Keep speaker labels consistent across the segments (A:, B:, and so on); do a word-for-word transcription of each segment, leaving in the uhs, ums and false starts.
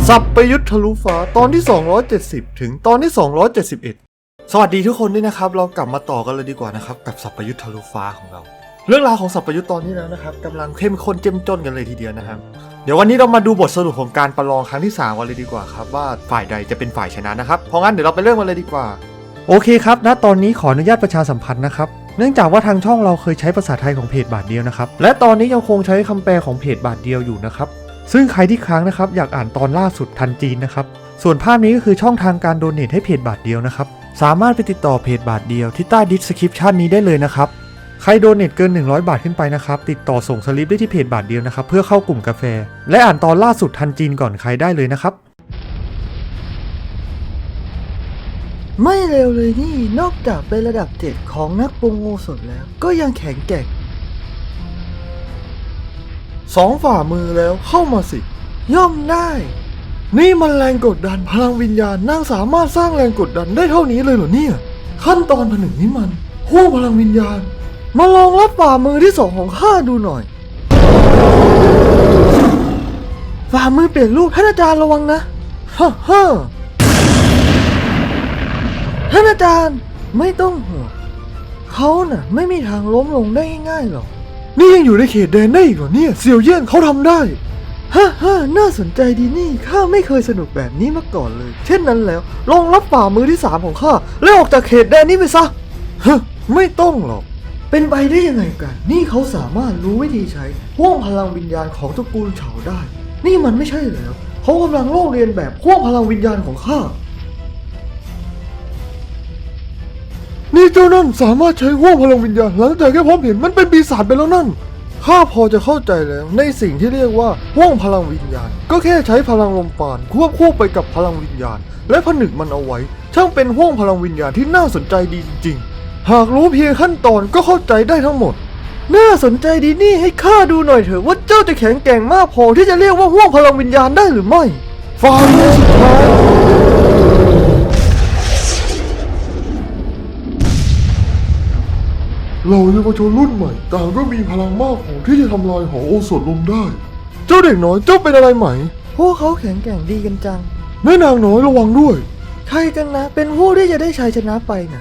A: สัปยุทธ์ทะลุฟ้าตอนที่สองร้อยเจ็ดสิบถึงตอนที่สองร้อยเจ็ดสิบเอ็ดสวัสดีทุกคนด้วยนะครับเรากลับมาต่อกันเลยดีกว่านะครับกับสัปยุทธ์ทะลุฟ้าของเราเรื่องราวของสัปยุทธ์ตอนนี้แล้วนะครับกำลังเข้มข้นเจ้มจนกันเลยทีเดียวนะครับเดี๋ยววันนี้เรามาดูบทสรุปของการประลองครั้งที่สามกันเลยดีกว่าครับว่าฝ่ายใดจะเป็นฝ่ายชนะนะครับเพราะงั้นเดี๋ยวเราไปเริ่มกันเลยดีกว่าโอเคครับณตอนนี้ขออนุญาตประชาสัมพันธ์นะครับเนื่องจากว่าทางช่องเราเคยใช้ภาษาไทยของเพจบาทเดียวนะครับและตอนนี้ยังคงใช้คำแปลของเพจบาทเดียวอยู่นะครับซึ่งใครที่ค้างนะครับอยากอ่านตอนล่าสุดทันจีนนะครับส่วนภาพนี้ก็คือช่องทางการโดเนทให้เพจบาทเดียวนะครับสามารถไปติดต่อเพจบาทเดียวที่ใต้ดิสคริปชันนี้ได้เลยนะครับใครโดเนทเกินหนึ่งร้อยบาทขึ้นไปนะครับติดต่อส่งสลิปได้ที่เพจบาทเดียวนะครับเพื่อเข้ากลุ่มกาแฟและอ่านตอนล่าสุดทันจีนก่อนใครได้เลยนะครับไม่เร็วเลยนี่นอกจากเป็นระดับเจ็ดของนักปรุงโอสถแล้วก็ยังแข็งแกร่งสองฝ่ามือแล้วเข้ามาสิย่อมได้นี่มันแรงกดดันพลังวิญญาณนางสามารถสร้างแรงกดดันได้เท่านี้เลยเหรอเนี่ยขั้นตอนผนึกนี้มันห้วงพลังวิญญาณมาลองรับฝ่ามือที่สองของข้าดูหน่อยฝ่ามือเปลี่ยนรูปท่านอาจารย์ระวังนะฮ่าฮ่าท่านอาจารย์ไม่ต้องห่วงเขาน่ะไม่มีทางล้มลงได้ง่ายๆหรอกนี่ยังอยู่ในเขตแดนได้อีกเหรอเนี่ยเสี่ยวเยี่ยนเขาทำได้ฮ่าฮ่าน่าสนใจดีนี่ข้าไม่เคยสนุกแบบนี้มาก่อนเลยเช่นนั้นแล้วลองรับฝ่ามือที่สามของข้าแล้วออกจากเขตแดนนี้ไปซะฮะไม่ต้องหรอกเป็นไปได้ยังไงกันนี่เขาสามารถรู้วิธีใช้ห้วงพลังวิญญาณของตระกูลเฉาได้นี่มันไม่ใช่แล้วเขากำลังลอกเรียนแบบห้วงพลังวิญญาณของข้านี่เจ้านั่นสามารถใช้ห้วงพลังวิญญาณหลังจากแค่พบเห็นมันเป็นปีศาจไปแล้วนั่นข้าพอจะเข้าใจแล้วในสิ่งที่เรียกว่าห้วงพลังวิญญาณก็แค่ใช้พลังลมปราณควบคู่ไปกับพลังวิญญาณและผนึกมันเอาไว้ช่างเป็นห้วงพลังวิญญาณที่น่าสนใจดีจริงๆหากรู้เพียงขั้นตอนก็เข้าใจได้ทั้งหมดน่าสนใจดีนี่ให้ข้าดูหน่อยเถอะว่าเจ้าจะแข็งแกร่งมากพอที่จะเรียกว่าห้วงพลังวิญญาณได้หรือไม่ฝ่ามือสุดท้ายเราเยาวชนรุ่นใหม่ต่างก็มีพลังมากพอที่จะทำลายหอโอสถลงได้เจ้าเด็กน้อยเจ้าเป็นอะไรไหมพวกเขาแข็งแกร่งดีกันจังแม่นางน้อยระวังด้วยใครกันนะเป็นผู้ที่จะได้ชัยชนะไปนะ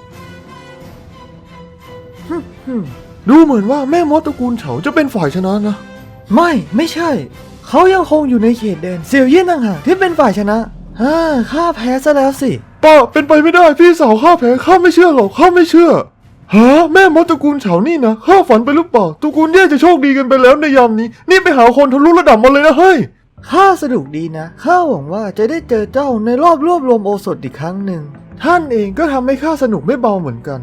A: ดูเหมือนว่าแม่มดตระกูลเฉาจะเป็นฝ่ายชนะนะไม่ไม่ใช่เขายังคงอยู่ในเขตแดนเสี่ยวเยี่ยนต่างหากที่เป็นฝ่ายชนะฮ่าข้าแพ้ซะแล้วสิป้าเป็นไปไม่ได้พี่สาวข้าแพ้ข้าไม่เชื่อหรอกข้าไม่เชื่อฮะแม่มดตระกูลเฉานี่นะข้าฝันไปหรือเปล่าตระกูลเย่จะโชคดีกันไปแล้วในยามนี้นี่ไปหาคนทะลุระดับมาเลยนะเฮ้ยข้าสนุกดีนะข้าหวังว่าจะได้เจอเจ้าในรอบรวบรวมโอสถอีกครั้งหนึ่งท่านเองก็ทำให้ข้าสนุกไม่เบาเหมือนกัน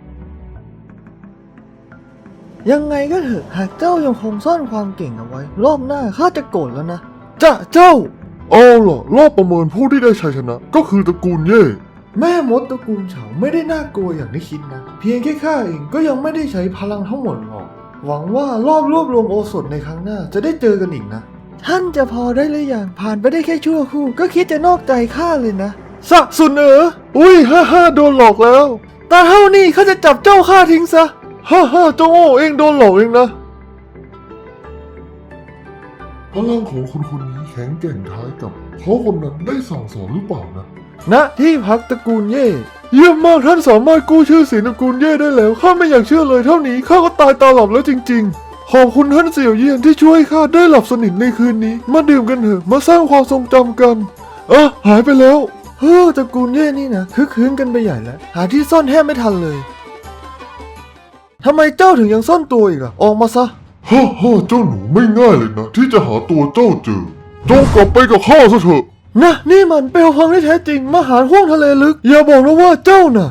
A: ยังไงก็เถอะหากเจ้ายังคงซ่อนความเก่งเอาไว้รอบหน้าข้าจะโกรธแล้วนะจ้ะเจ้าเอาล่ะรอบประเมินผู้ที่ได้ชัยชนะก็คือตระกูลเย่แม่มดตระกูลเฉาไม่ได้น่ากลัวอย่างที่คิดนะเพียงแค่ข้าเองก็ยังไม่ได้ใช้พลังทั้งหมดหรอกหวังว่ารอบรวบรวมโอสถในครั้งหน้าจะได้เจอกันอีกนะท่านจะพอได้หรือยังผ่านไปได้แค่ชั่วครู่ก็คิดจะนอกใจข้าเลยนะสะสุนเอ๋ออุ้ยฮ่าฮ่าโดนหลอกแล้วแต่เท่านี้ข้าจะจับเจ้าข้าทิ้งซะฮ่าฮ่าเจ้าโง่เองโดนหลอกเองนะพลังของคนคนนี้แข็งแกร่งท้ายกับเขาคนนั้นได้สั่งสอนหรือเปล่านะณที่พักตระกูลเย่เยี่ยมมากท่านสามารถกู้ชื่อเสียงตระกูลเย่ได้แล้วข้าไม่อยากเชื่อเลยเท่านี้ข้าก็ตายตาหลับแล้วจริงๆขอบคุณท่านเสี่ยวเยี่ยนที่ช่วยข้าได้หลับสนิทในคืนนี้มาดื่มกันเถอะมาสร้างความทรงจำกันอ่ะหายไปแล้วเฮ้อตระกูลเย่นี่นะคึกคืนกันไปใหญ่แล้วหาที่ซ่อนแทบไม่ทันเลยทำไมเจ้าถึงยังซ่อนตัวอีกอะออกมาซะฮ่าฮ่าเจ้าหนูไม่ง่ายเลยนะที่จะหาตัวเจ้าเจอจงกลับไปกับข้าซะเถอะนะนี่มันเปลวเพลิงที่แท้จริงมหาห้วงทะเลลึกอย่าบอกนะว่าเจ้าน่ะ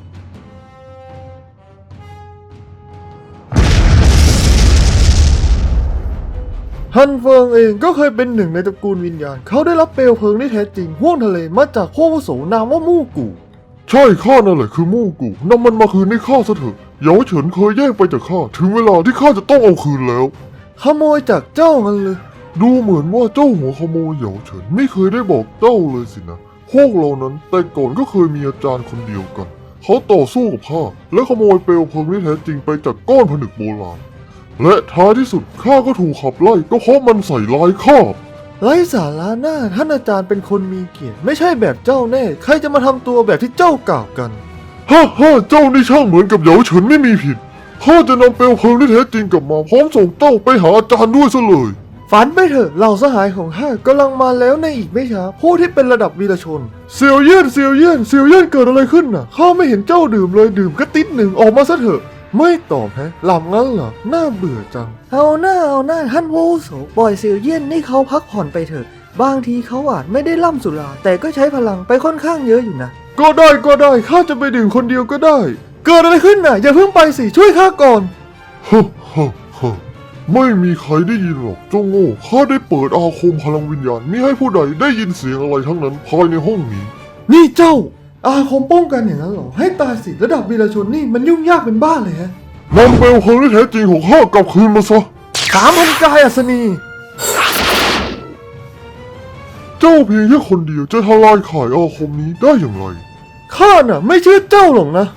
A: ฮันเฟิงเองก็เคยเป็นหนึ่งในตระกูลวิญญาณเขาได้รับเปลวเพลิงที่แท้จริงห้วงทะเลมาจากโคโวโสนามว่ามู่กูใช่ข้านั่นแหละคือมู่กูนำมันมาคืนให้ข้าซะเถอะเหยาเฉินเคยแย่งไปจากข้าถึงเวลาที่ข้าจะต้องเอาคืนแล้วขโมยจากเจ้างั้นเลยดูเหมือนว่าเจ้าหัวขโมยเหยาเฉินไม่เคยได้บอกเจ้าเลยสินะพวกเรานั้นแต่ก่อนก็เคยมีอาจารย์คนเดียวกันเขาต่อสู้กับข้าและขโมยเปลวเพลิงที่แท้จริงไปจากก้อนผนึกโบราณและท้ายที่สุดข้าก็ถูกขับไล่ก็เพราะมันใส่ร้ายข้าไร้สาระหน้าท่านอาจารย์เป็นคนมีเกียรติไม่ใช่แบบเจ้าแน่ใครจะมาทำตัวแบบที่เจ้ากล่าวกันฮ่าฮ่าเจ้านี่ช่างเหมือนกับเหยาเฉินไม่มีผิดข้าจะนำเปลวเพลิงที่แท้จริงกลับมาพร้อมส่งเจ้าไปหาอาจารย์ด้วยซะเลยฝันไปเถอะเหล่าสหายของข้ากำลังมาแล้วในอีกไม่ช้าผู้ที่เป็นระดับวีรชนเซียวเยี่ยนเซียวเยี่ยนเซียวเยี่ยนเกิดอะไรขึ้นน่ะข้าไม่เห็นเจ้าดื่มเลยดื่มก็ติดหนึ่งออกมาซะเถอะไม่ตอบฮะหลับงั้นเหรอน่าเบื่อจังเอาหน้าเอาหน้าท่านผู้อาวุโสปล่อยเซียวเยี่ยนนี่เขาพักผ่อนไปเถอะบางทีเขาอาจไม่ได้ล่ำสุราแต่ก็ใช้พลังไปค่อนข้างเยอะอยู่นะก็ได้ก็ได้ข้าจะไปดื่มคนเดียวก็ได้เกิดอะไรขึ้นน่ะอย่าเพิ่งไปสิช่วยข้าก่อนฮ่าฮ่าฮ่าไม่มีใครได้ยินหรอกเจ้าโง่ข้าได้เปิดอาคมพลังวิญญาณมิให้ผู้ใดได้ยินเสียงอะไรทั้งนั้นภายในห้องนี้นี่เจ้าอาคมป้องกันอย่างนั้นเหรอให้ตายสิระดับวีรชนนี่มันยุ่งยากเป็นบ้าเลยฮะนำเปลวเพลิงที่แท้จริงของข้ากลับคืนมาซะสามพันกายอัศนีเจ้าเพียงแค่คนเดียวจะทลายข่ายอาคมนี้ได้อย่างไรข้าน่ะไม่เชื่อเจ้าหรอกนะ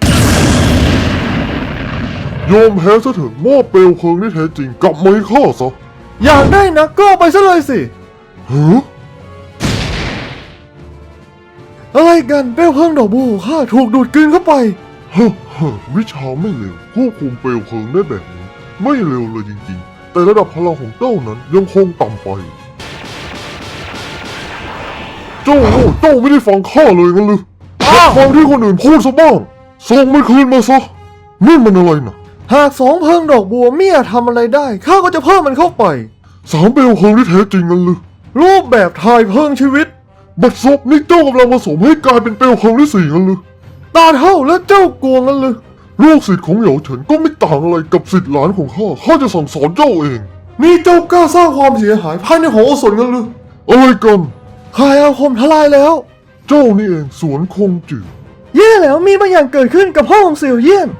A: ยอมแพ้ซะเถอะมอบเปลวเพลิงที่แท้จริงกลับมาให้ข้าซะอยากได้นะก็เอาไปซะเลยสิฮะอะไรกันเปลวเพลิงดอกบัวของข้าถูกดูดกลืนเข้าไปเฮ้อเฮ้อวิชาไม่เร็วควบคุมเปลวเพลิงได้แบบนี้ไม่เร็วเลยจริงๆแต่ระดับพลังของเจ้านั้นยังคงต่ำไปเจ้าโง่เจ้าไม่ได้ฟังข้าเลยงั้นหรือฟังที่คนอื่นพูดซะบ้างส่งมันคืนมาซะนี่มันอะไรนะหากสองเพลิงดอกบัวเมียทำอะไรได้ข้าก็จะเพิ่มมันเข้าไปสามเปลวเพลิงที่แท้จริงงั้นหรือรูปแบบถ่ายเพลิงชีวิตบัดซบนี่เจ้ากำลังผสมให้กลายเป็นเปลวเพลิงที่สี่งั้นหรือตาเท่าแล้วเจ้ากลัวงั้นหรือลูกศิษย์ของเหยาเฉินก็ไม่ต่างอะไรกับศิษย์หลานของข้าข้าจะสั่งสอนเจ้าเองนี่เจ้ากล้าสร้างความเสียหายภายในหอโอสถงั้นหรืออะไรกันขายอาคมทลายแล้วเจ้านี่เองสวนคงจืดแย่แล้วมีบางอย่างเกิดขึ้นกับพ่อของเสี่ยวเยี่ยน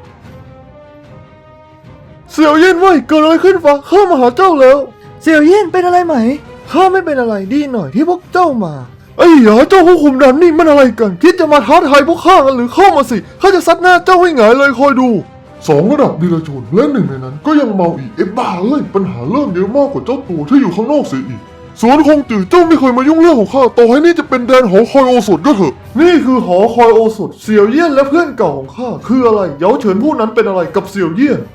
A: เสี่ยวเยี่ยนเว้ยเกิดอะไรขึ้นวะข้ามาหาเจ้าแล้วเสี่ยวเยี่ยนเป็นอะไรไหมข้าไม่เป็นอะไรดีหน่อยที่พวกเจ้ามาไอ้หยาเจ้าผู้คุมดำนี่มันอะไรกันคิดจะมาท้าทายพวกข้ากันหรือเข้ามาสิข้าจะซัดหน้าเจ้าให้หงายเลยคอยดูสองระดับวีรชนและหนึ่งในนั้นก็ยังเมาอีกเอ๊ะบ้าเลยปัญหาเริ่มเยอะมากกว่าเจ้าตัวที่อยู่ข้างนอกเสียอีกสวนคงจืดเจ้าไม่เคยมายุ่งเรื่องของข้าต่อให้นี่จะเป็นแดนหอคอยโอสถก็เถอะนี่คือหอคอยโอสถเสี่ยวเยี่ยนและเพื่อนเก่าของข้าคืออะไรเหยาเฉินผู้นั้นเป็นอะไรกับเสี่ยวเยี่ยน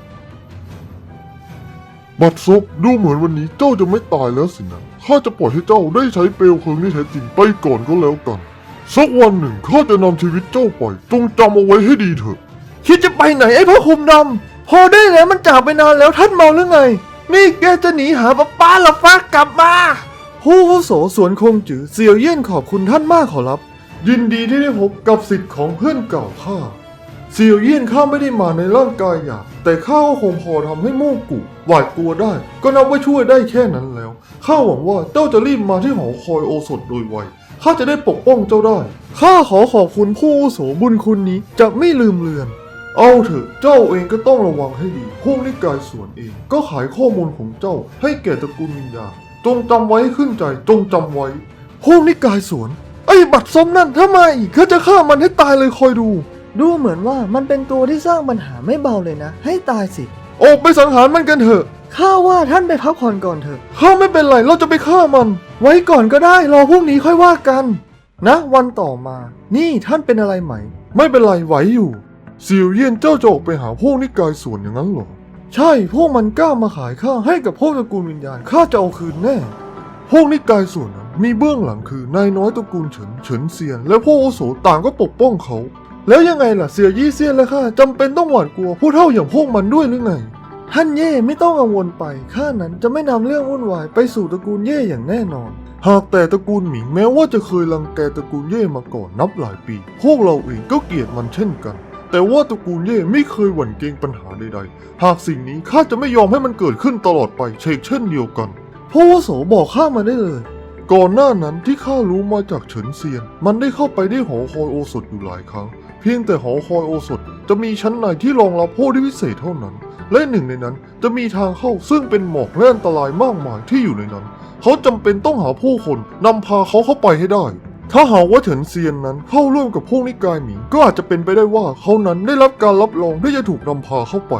A: บัดซบดูเหมือนวันนี้เจ้าจะไม่ตายแล้วสินะข้าจะปล่อยให้เจ้าได้ใช้เปลวเพลิงที่แท้จริงไปก่อนก็แล้วกันสักวันหนึ่งข้าจะนำชีวิตเจ้าไปจงจำเอาไว้ให้ดีเถอะคิดจะไปไหนไอ้พ่อคุมดำพอได้แล้วมันจากไปนานแล้วท่านเมาหรือไงนี่แกจะหนีหาป้าป้าหรอฟ้ากลับมาผู้อาวุโสสวนคงจือเสี่ยวเยี่ยนขอบคุณท่านมากขอรับยินดีที่ได้พบกับศิษย์ของเพื่อนเก่าข้าเสี่ยวเยี่ยนข้าไม่ได้มาในร่างกายหยาบแต่ข้าก็คงพอทำให้โม่กุหวาดกลัวได้ก็นับว่าช่วยได้แค่นั้นแล้วข้าหวังว่าเจ้าจะรีบมาที่หอคอยโอสถโดยไวข้าจะได้ปกป้องเจ้าได้ข้าขอขอบคุณผู้อาวุโสบุญคุณนี้จะไม่ลืมเลือนเอาเถอะเจ้าเองก็ต้องระวังให้ดีพวกนิกายส่วนเองก็ขายข้อมูลของเจ้าให้แก่ตระกูลวิญญาณจงจำไว้ขึ้นใจจงจำไว้พวกนิกายสวนไอ้บัตรซมนั่นถ้ามาอีกข้าจะฆ่ามันให้ตายเลยคอยดูดูเหมือนว่ามันเป็นตัวที่สร้างปัญหาไม่เบาเลยนะให้ตายสิออกไปสังหารมันกันเถอะข้าว่าท่านไปพักผ่อนก่อนเถอะข้าไม่เป็นไรเราจะไปฆ่ามันไว้ก่อนก็ได้รอพรุ่งนี้ค่อยว่ากันนะวันต่อมานี่ท่านเป็นอะไรไหมไม่เป็นไรไหวอยู่เสี่ยวเยี่ยนเจ้าจะออกไปหาพวกนิกายส่วนอย่างนั้นเหรอใช่พวกมันกล้ามาขายข้าให้กับพวกตระกูลวิญญาณข้าจะเอาคืนแน่พวกนิกายส่วนนั้นมีเบื้องหลังคือนายน้อยตระกูลเฉินเฉินเซียนและพวกอาวุโสต่างก็ปกป้องเขาแล้วยังไงล่ะเสี่ยวยี่เซียนและข้าจำเป็นต้องหวาดกลัวผู้เฒ่าอย่างพวกมันด้วยหรือไงท่านเย่ไม่ต้องกังวลไปข้านั้นจะไม่นำเรื่องวุ่นวายไปสู่ตระกูลเย่อย่างแน่นอนหากแต่ตระกูลหมิงแม้ว่าจะเคยรังแกตระกูลเย่มาก่อนนับหลายปีพวกเราเองก็เกลียดมันเช่นกันแต่ว่าตระกูลเย่ไม่เคยหวั่นเกรงปัญหาใดๆหากสิ่งนี้ข้าจะไม่ยอมให้มันเกิดขึ้นตลอดไปเชกเช่นเดียวกันผู้อาวุโสบอกข้ามาได้เลยก่อนหน้านั้นที่ข้ารู้มาจากเฉินเซียนมันได้เข้าไปที่หอคอยโอสถอยู่หลายครั้งเพียงแต่หอคอยโอสถจะมีชั้นในที่รองรับผู้ที่พิเศษเท่านั้นและหนึ่งในนั้นจะมีทางเข้าซึ่งเป็นหมอกและอันตรายมากมายที่อยู่ในนั้นเขาจำเป็นต้องหาผู้คนนำพาเขาเข้าไปให้ได้ถ้าหากว่าเฉินเซียนนั้นเข้าร่วมกับพวกนิกายหมิงก็อาจจะเป็นไปได้ว่าเขานั้นได้รับการรับรองที่จะถูกนำพาเข้าไป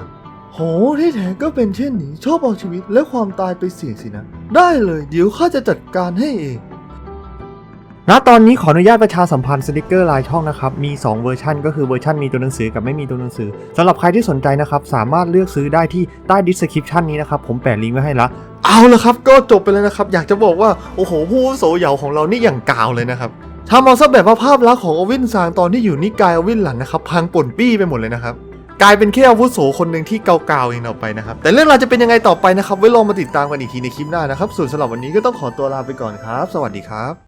A: โหที่แท้ก็เป็นเช่นนี้ชอบเอาชีวิตและความตายไปเสี่ยงสินะได้เลยเดี๋ยวข้าจะจัดการให้เองณตอนนี้ขออนุญาตประชาสัมพันธ์สติกเกอร์ลายช่องนะครับมีสองเวอร์ชันก็คือเวอร์ชันมีตัวหนังสือกับไม่มีตัวหนังสือสำหรับใครที่สนใจนะครับสามารถเลือกซื้อได้ที่ใต้ description นี้นะครับผมแปะลิงก์ไว้ให้ละเอาละครับก็จบไปแล้วนะครับอยากจะบอกว่าโอ้โหผู้อาวุโสเหยาของเรานี่อย่างกาวเลยนะครับทำเอาซะแบบว่าภาพลักษณ์ของอวินซางตอนที่อยู่นิกายอวินหลันนะครับพังป่นปี้ไปหมดเลยนะครับกลายเป็นแค่อาวุโสคนหนึ่งที่เกาๆเองต่อไปนะครับแต่เรื่องราวจะเป็นยังไงต่อไปนะครับไว้ลองมาติดตามกันอีกทีในคลิปหน้านะครับส่วนสำหรับวันนี้ก็ต้องขอตัวลาไปก่อนครับสวัสดีครับ